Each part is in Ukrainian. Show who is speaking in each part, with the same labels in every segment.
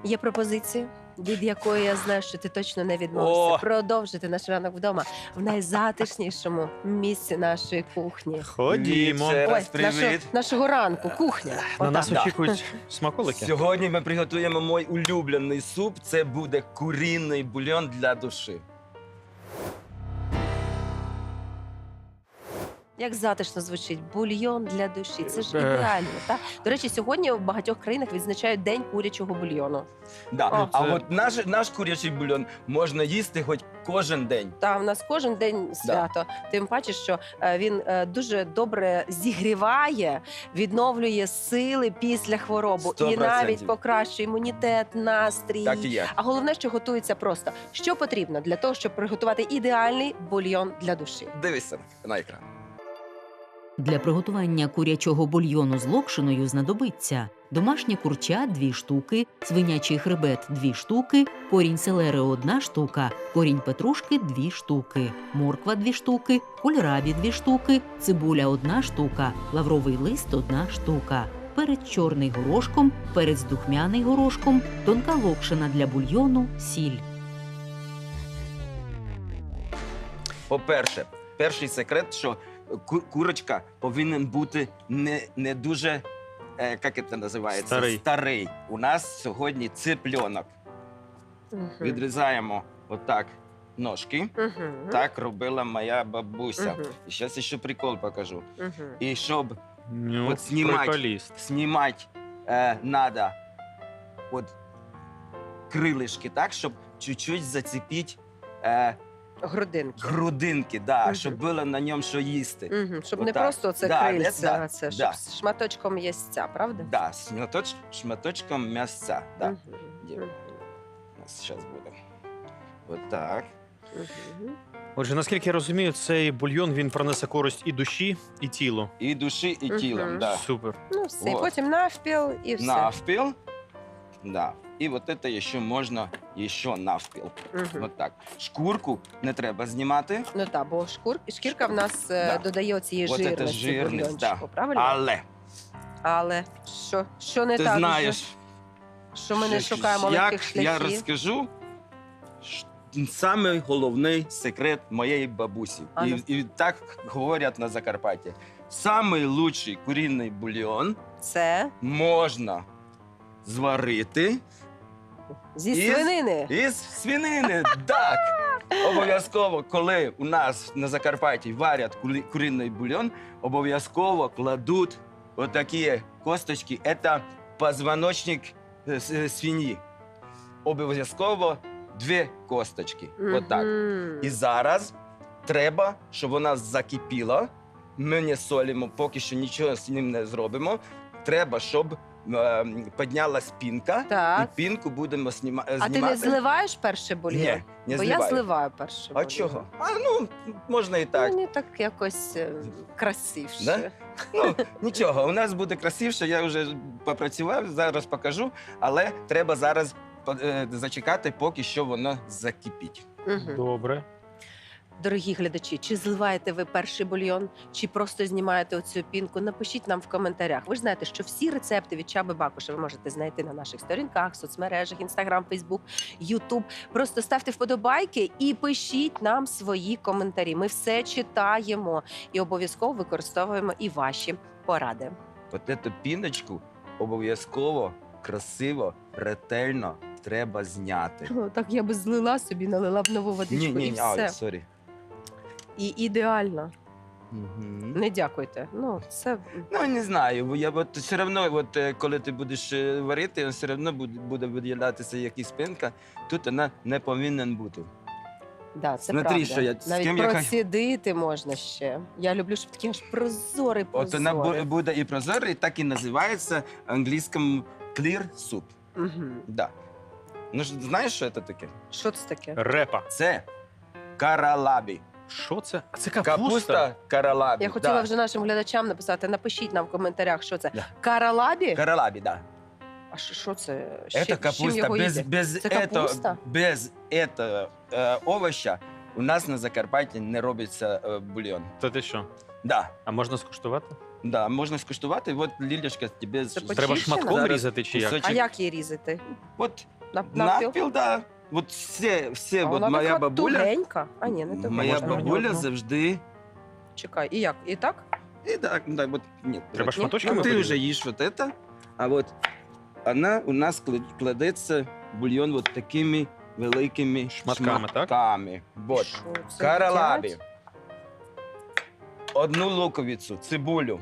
Speaker 1: Є пропозиція, від якої я знаю, що ти точно не відмовишся.
Speaker 2: О!
Speaker 1: Продовжити наш ранок вдома в найзатишнішому місці нашої кухні.
Speaker 3: Ходімо.
Speaker 2: Ще раз
Speaker 1: Ой,
Speaker 2: привіт.
Speaker 1: нашого ранку, кухня.
Speaker 3: На
Speaker 1: Отак.
Speaker 3: нас
Speaker 2: Да.
Speaker 3: очікують смаколики.
Speaker 2: Сьогодні ми приготуємо мій улюблений суп. Це буде курінний бульйон для душі.
Speaker 1: Як затишно звучить бульйон для душі. Це ж
Speaker 3: Е.
Speaker 1: ідеально. Та? До речі, сьогодні в багатьох країнах відзначають День курячого бульйону.
Speaker 2: Да.
Speaker 1: О,
Speaker 2: А
Speaker 3: це-
Speaker 2: от наш курячий бульйон можна їсти хоч кожен день.
Speaker 1: Та в нас кожен день свято. Тим паче, що він дуже добре зігріває, відновлює сили після хвороби і
Speaker 2: 100%.
Speaker 1: навіть покращує імунітет, настрій.
Speaker 2: Так і є.
Speaker 1: А головне, що готується просто. Що потрібно для того, щоб приготувати ідеальний бульйон для душі?
Speaker 2: Дивися на екран.
Speaker 4: Для приготування курячого бульйону з локшиною знадобиться домашнє курча – 2 штуки, свинячий хребет – 2 штуки, корінь селери – 1 штука, корінь петрушки – 2 штуки, морква – 2 штуки, кольрабі – 2 штуки, цибуля – 1 штука, лавровий лист – 1 штука, перець чорний горошком, перець духмяний горошком, тонка локшина для бульйону, сіль.
Speaker 2: По-перше, перший секрет, що курочка повинен бути не дуже, як це називається?
Speaker 3: Старий.
Speaker 2: У нас сьогодні цыпленок. Відрізаємо отак ножки. Так робила моя бабуся.
Speaker 1: Мгм.
Speaker 2: І зараз ще прикол покажу.
Speaker 1: Мгм.
Speaker 2: І щоб
Speaker 3: Ну,
Speaker 2: От знімать.
Speaker 3: приколіст.
Speaker 2: знімати надо от крилишки так, щоб чуть-чуть зацепити
Speaker 1: Грудинки.
Speaker 2: грудинки, да,
Speaker 1: Мгм.
Speaker 2: щоб було на ньому що їсти.
Speaker 1: Щоб не
Speaker 2: Отак.
Speaker 1: просто це
Speaker 2: Да,
Speaker 1: крильця,
Speaker 2: да,
Speaker 1: а це щоб
Speaker 2: да.
Speaker 1: з шматочком єстця, правда?
Speaker 2: Да, з шматочком м'ясця. Да.
Speaker 1: Мгм.
Speaker 2: Є.
Speaker 1: Мгм.
Speaker 2: У нас зараз буде. Отак.
Speaker 1: Мгм.
Speaker 3: Отже, наскільки я розумію, цей бульйон він принесе користь і душі, і тілу.
Speaker 2: І душі, і тілом.
Speaker 1: Мгм.
Speaker 2: Да.
Speaker 3: Супер.
Speaker 1: Ну, все, і
Speaker 2: Вот.
Speaker 1: потім навпіл і все.
Speaker 2: Навпіл. Да. І от це ще можна ще навпіл.
Speaker 1: Мгм.
Speaker 2: От так. Шкурку не треба знімати,
Speaker 1: Ну так, бо шкірка в нас
Speaker 2: Да.
Speaker 1: додає цієї
Speaker 2: От це
Speaker 1: жирності
Speaker 2: жирність,
Speaker 1: бульйончику,
Speaker 2: да.
Speaker 1: правильно?
Speaker 2: але
Speaker 1: Що не
Speaker 2: ти
Speaker 1: так?
Speaker 2: знаєш,
Speaker 1: що ми не шукаємо
Speaker 2: як
Speaker 1: легких
Speaker 2: я
Speaker 1: шляхів?
Speaker 2: розкажу, самий головний секрет моєї бабусі.
Speaker 1: А ну.
Speaker 2: І так говорять на Закарпатті. Самий лучший курінний бульйон
Speaker 1: Це
Speaker 2: можна зварити
Speaker 1: зі
Speaker 2: Із-
Speaker 1: свинини.
Speaker 2: із свинини. Так! Обов'язково, коли у нас на Закарпатті варять курінний бульйон, обов'язково кладуть отакі косточки. Це позвоночник свині. Обов'язково 2 косточки. Отак.
Speaker 1: Мгм.
Speaker 2: І зараз треба, щоб вона закипіла. Ми не солимо, поки що нічого з ним не зробимо. Треба, щоб піднялась пінка,
Speaker 1: Так.
Speaker 2: і пінку будемо знімати.
Speaker 1: А ти не зливаєш перший бульйон?
Speaker 2: Ні, не
Speaker 1: Бо
Speaker 2: зливаю.
Speaker 1: я зливаю перший
Speaker 2: А
Speaker 1: бульйон.
Speaker 2: чого? Ну, можна і так.
Speaker 1: Мені так якось красивше.
Speaker 2: Да? Ну, нічого, у нас буде красивше, я вже попрацював, зараз покажу, але треба зараз зачекати, поки що воно закипить.
Speaker 1: Мгм.
Speaker 3: Добре.
Speaker 1: Дорогі глядачі, чи зливаєте ви перший бульйон, чи просто знімаєте оцю пінку? Напишіть нам в коментарях. Ви ж знаєте, що всі рецепти від Чаби Бакуша ви можете знайти на наших сторінках, соцмережах, Інстаграм, Фейсбук, Ютуб. Просто ставте вподобайки і пишіть нам свої коментарі. Ми все читаємо і обов'язково використовуємо і ваші поради.
Speaker 2: От цю піночку обов'язково, красиво, ретельно треба зняти.
Speaker 1: Так я би злила собі, налила б нову водичку і все.
Speaker 2: сорі.
Speaker 1: І ідеально.
Speaker 2: Мгм.
Speaker 1: Не дякуйте. Ну, це
Speaker 2: Ну, не знаю, бо я от все одно, коли ти будеш варити, все одно буде виділятися якась пінка, тут вона не повинна бути.
Speaker 1: Да, це
Speaker 2: Смотри,
Speaker 1: правда.
Speaker 2: що я- з
Speaker 1: Навіть
Speaker 2: ким я
Speaker 1: процідити можна ще. Я люблю, щоб такий аж прозорий
Speaker 2: От вона
Speaker 1: прозорий.
Speaker 2: буде і прозорий, так і називається англійським clear soup.
Speaker 1: Мгм.
Speaker 2: Да. Ну, знаєш, що це таке?
Speaker 1: Що це таке?
Speaker 3: Репа.
Speaker 2: Це каралабі.
Speaker 3: Що це? А це капуста?
Speaker 2: Капуста каралабі.
Speaker 1: Я хотіла
Speaker 2: да.
Speaker 1: вже нашим глядачам написати, напишіть нам в коментарях, що це.
Speaker 2: Да.
Speaker 1: Каралабі?
Speaker 2: Каралабі, да.
Speaker 1: А що це?
Speaker 2: Это
Speaker 1: З чим
Speaker 2: капуста.
Speaker 1: його їдять?
Speaker 2: Без
Speaker 1: Це капуста?
Speaker 2: без этого овоща у нас на Закарпатті не робиться бульйон.
Speaker 3: Та ти що?
Speaker 2: Да,
Speaker 3: А можна скуштувати?
Speaker 2: да, можна скуштувати. От, Лілечка, тебе
Speaker 1: Це
Speaker 3: Треба
Speaker 1: Очищена?
Speaker 3: шматком
Speaker 2: Зараз
Speaker 3: різати чи як?
Speaker 2: кусочок.
Speaker 1: А як її різати?
Speaker 2: От
Speaker 1: Навпіл?
Speaker 2: навпіл, да. От все,
Speaker 1: А
Speaker 2: от
Speaker 1: вона
Speaker 2: моя
Speaker 1: така
Speaker 2: бабуля,
Speaker 1: тугенька. А ні, не тугенька.
Speaker 2: моя
Speaker 3: Можна
Speaker 2: бабуля
Speaker 3: одну?
Speaker 2: завжди.
Speaker 1: Чекай, і як? І так?
Speaker 2: І так, да, от, ні,
Speaker 3: Треба
Speaker 2: от,
Speaker 3: шматочками
Speaker 2: ну, ти
Speaker 3: порізати?
Speaker 2: вже їш вот это, а от вона у нас кладеться бульйон от такими великими
Speaker 3: Шматками, так?
Speaker 2: шматками. Вот.
Speaker 1: Що це
Speaker 2: Каралабі.
Speaker 1: їдять?
Speaker 2: Одну луковицю, цибулю.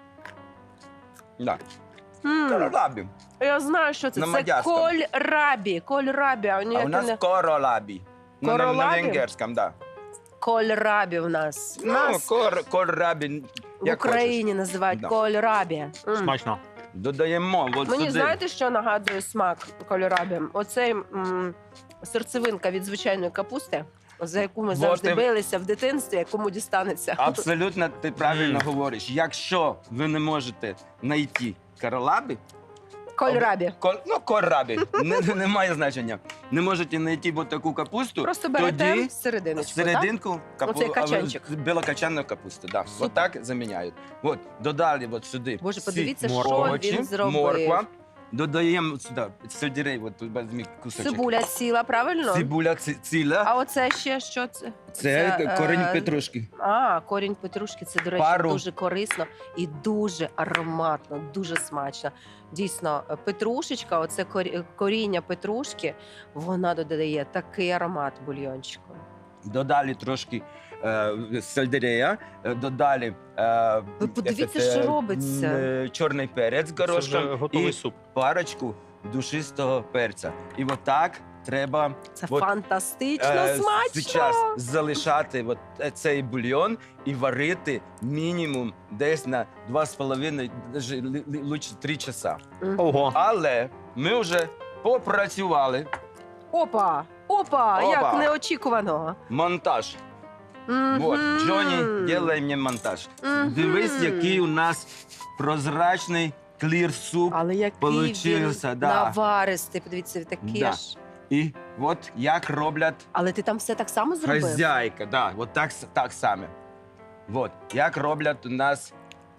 Speaker 2: Да.
Speaker 1: М,
Speaker 2: Каралабі.
Speaker 1: Я знаю, що це.
Speaker 2: На
Speaker 1: Це
Speaker 2: мадярському.
Speaker 1: кольрабі. Кольрабі. А
Speaker 2: А у
Speaker 1: ніяке
Speaker 2: нас
Speaker 1: не...
Speaker 2: королабі. На
Speaker 1: Королабі?
Speaker 2: венгерському, да.
Speaker 1: Кольрабі в нас.
Speaker 2: Ну,
Speaker 1: Нас
Speaker 2: королабі.
Speaker 1: в
Speaker 2: як
Speaker 1: Україні називають
Speaker 2: Да.
Speaker 1: кольрабі. М.
Speaker 3: Смачно.
Speaker 2: Додаємо от
Speaker 1: Мені
Speaker 2: сюди.
Speaker 1: знаєте, що нагадує смак кольрабі? Оцей серцевинка від звичайної капусти, за яку ми
Speaker 2: Вот
Speaker 1: завжди
Speaker 2: і-
Speaker 1: билися в дитинстві, кому дістанеться.
Speaker 2: Абсолютно ти правильно говориш. Якщо ви не можете знайти королабі,
Speaker 1: Кольрабі.
Speaker 2: Ну, корабі, немає значення. Не можете знайти от таку капусту,
Speaker 1: Просто берете
Speaker 2: тоді
Speaker 1: серединочку, так?
Speaker 2: серединку
Speaker 1: Оцей качанчик.
Speaker 2: білокачанну капусту. Да.
Speaker 1: Супер.
Speaker 2: От так заміняють. От, додали от сюди.
Speaker 1: Боже,
Speaker 2: всі
Speaker 1: подивіться, що
Speaker 2: овочі,
Speaker 1: він зробив.
Speaker 2: Морква. Додаємо сюди сельдерей, от тут візьмі кусочок.
Speaker 1: Цибуля ціла, правильно?
Speaker 2: Цибуля ціла.
Speaker 1: А оце ще що це?
Speaker 2: Це корінь
Speaker 1: е,
Speaker 2: петрушки.
Speaker 1: А, корінь петрушки, це, до речі,
Speaker 2: Пару.
Speaker 1: дуже корисно і дуже ароматно, дуже смачно. Дійсно, петрушечка, оце коріння петрушки, вона додає такий аромат бульйончику.
Speaker 2: Додали трошки сельдерея, додали
Speaker 1: Ви подивіться, що робиться.
Speaker 2: чорний перець з
Speaker 3: Це вже
Speaker 2: горошком
Speaker 3: готовий
Speaker 2: і
Speaker 3: суп.
Speaker 2: парочку душистого перця. І отак треба
Speaker 1: Це
Speaker 2: от,
Speaker 1: фантастично смачно!
Speaker 2: зараз залишати от цей бульйон і варити мінімум десь на 2,5, даже лучше 3 часа.
Speaker 1: Мгм.
Speaker 3: Ого.
Speaker 2: Але ми вже попрацювали.
Speaker 1: Опа! Опа!
Speaker 2: Опа.
Speaker 1: Як неочікувано!
Speaker 2: Монтаж.
Speaker 1: Мгм.
Speaker 2: Вот, Джонні, делай мені монтаж.
Speaker 1: Мгм.
Speaker 2: Дивись, який у нас прозрачний клір суп.
Speaker 1: Але який
Speaker 2: Получився,
Speaker 1: він
Speaker 2: да.
Speaker 1: наваристий, подивіться, такий
Speaker 2: Да.
Speaker 1: ж.
Speaker 2: І от як роблять
Speaker 1: Але ти там все так само зробив?
Speaker 2: хазяйка. Да, от так само. Вот, як роблять у нас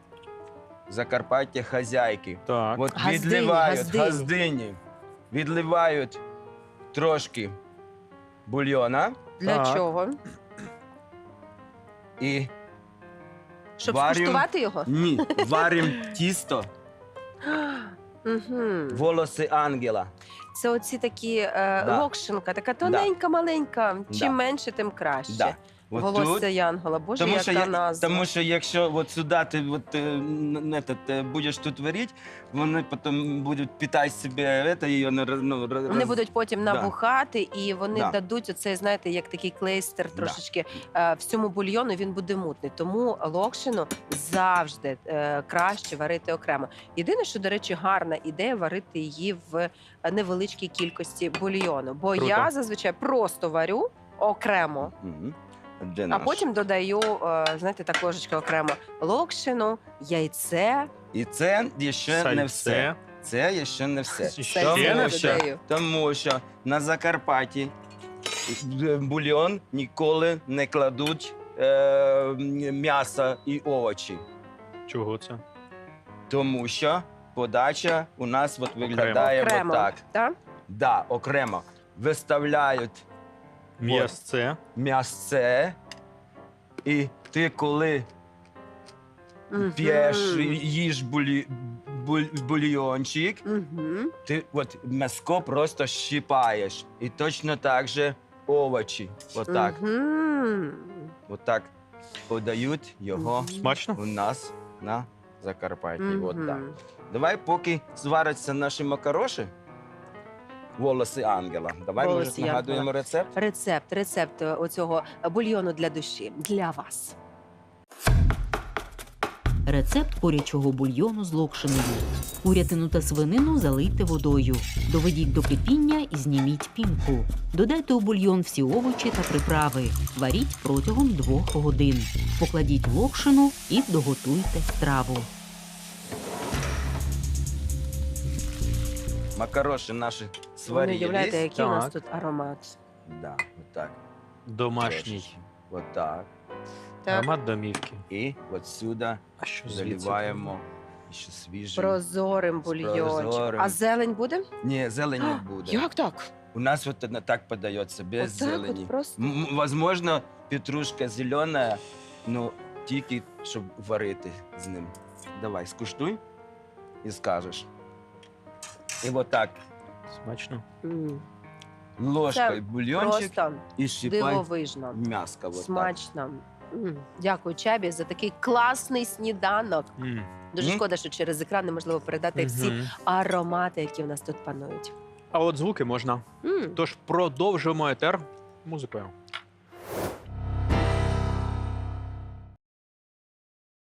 Speaker 2: в Закарпаття хазяйки.
Speaker 3: Так.
Speaker 2: От
Speaker 1: Газдині,
Speaker 2: відливають
Speaker 1: газдині.
Speaker 2: газдині, відливають трошки бульйона
Speaker 1: Для
Speaker 3: Так.
Speaker 1: чого?
Speaker 2: і
Speaker 1: Щоб
Speaker 2: Варю.
Speaker 1: скуштувати його?
Speaker 2: ні, варимо тісто,
Speaker 1: Мгм.
Speaker 2: волоси ангела.
Speaker 1: Це оці такі
Speaker 2: Да.
Speaker 1: локшинка, така тоненька, маленька. Чим
Speaker 2: Да.
Speaker 1: менше, тим краще.
Speaker 2: Да. От
Speaker 1: Волосся
Speaker 2: тут,
Speaker 1: Янгола. Боже,
Speaker 2: тому,
Speaker 1: яка
Speaker 2: що
Speaker 1: назва.
Speaker 2: тому що якщо от сюди ти от, будеш тут варити, вони потім будуть питати себе, це, її
Speaker 1: Вони будуть потім
Speaker 2: Да.
Speaker 1: набухати, і вони
Speaker 2: Да.
Speaker 1: дадуть оцей, знаєте, як такий клейстер трошечки всьому бульйону, він буде мутний. Тому локшину завжди краще варити окремо. Єдине, що, до речі, гарна ідея варити її в невеличкій кількості бульйону. Бо
Speaker 3: Круто.
Speaker 1: я зазвичай просто варю окремо,
Speaker 2: Мгм. Де
Speaker 1: а
Speaker 2: наш?
Speaker 1: потім додаю, знаєте, так ложечка окремо локшину, яйце.
Speaker 2: І це ще не все.
Speaker 3: Сальце.
Speaker 2: Це ще не все.
Speaker 3: Ще
Speaker 2: Тому
Speaker 3: не
Speaker 1: Сальце
Speaker 3: все.
Speaker 1: додаю.
Speaker 2: Тому що на Закарпатті в бульйон ніколи не кладуть м'ясо і овочі.
Speaker 3: Чого це?
Speaker 2: Тому що подача у нас от виглядає
Speaker 1: Окремо.
Speaker 2: отак.
Speaker 1: Так?
Speaker 2: Да, окремо. Виставляють
Speaker 3: М'ясце.
Speaker 2: м'ясце, і ти коли
Speaker 1: Мгм.
Speaker 2: п'єш, їж бульйончик,
Speaker 1: Мгм.
Speaker 2: ти от м'яско просто щипаєш. І точно так же овочі. Отак.
Speaker 1: Мгм.
Speaker 2: Отак подають його
Speaker 3: Смачно?
Speaker 2: у нас на Закарпатті.
Speaker 1: Мгм.
Speaker 2: От так. Давай, поки зваряться наші макароші, волоси ангела. Давай
Speaker 1: Волоси
Speaker 2: може нагадуємо
Speaker 1: ангела.
Speaker 2: рецепт.
Speaker 1: Рецепт оцього бульйону для душі для вас.
Speaker 4: Рецепт курячого бульйону з локшиною. Курятину та свинину залийте водою. Доведіть до кипіння і зніміть пінку. Додайте у бульйон всі овочі та приправи. Варіть протягом 2 годин. Покладіть локшину і доготуйте страву.
Speaker 2: Макароші наші
Speaker 1: Ви не
Speaker 2: сварились.
Speaker 1: уявляєте, який у нас
Speaker 3: Так.
Speaker 1: тут аромат.
Speaker 2: Да, отак.
Speaker 3: Домашній.
Speaker 2: Трошечки. Отак.
Speaker 1: Так.
Speaker 3: Аромат домівки.
Speaker 2: І от сюди
Speaker 3: А що звідси?
Speaker 2: заливаємо ще свіжий.
Speaker 1: Прозорим бульйончиком.
Speaker 2: прозорим.
Speaker 1: А зелень буде?
Speaker 2: Ні, зелень не буде.
Speaker 1: Як так?
Speaker 2: У нас вот это так подається, без
Speaker 1: Отак
Speaker 2: зелені.
Speaker 1: от просто?
Speaker 2: Возможно, петрушка зелена, ну тільки щоб варити з ним. Давай, скуштуй і скажеш. І от так,
Speaker 1: М,
Speaker 3: Смачно.
Speaker 2: ложкою бульйончик
Speaker 1: Просто
Speaker 2: і щипай
Speaker 1: дивовижно.
Speaker 2: м'яско. Вот так.
Speaker 1: Смачно. Дякую, Чабі, за такий класний сніданок.
Speaker 3: М.
Speaker 1: Дуже
Speaker 2: Мгм.
Speaker 1: шкода, що через екран неможливо передати всі
Speaker 3: Мгм.
Speaker 1: аромати, які в нас тут панують.
Speaker 3: А от звуки можна.
Speaker 1: М.
Speaker 3: Тож продовжуємо етер музикою.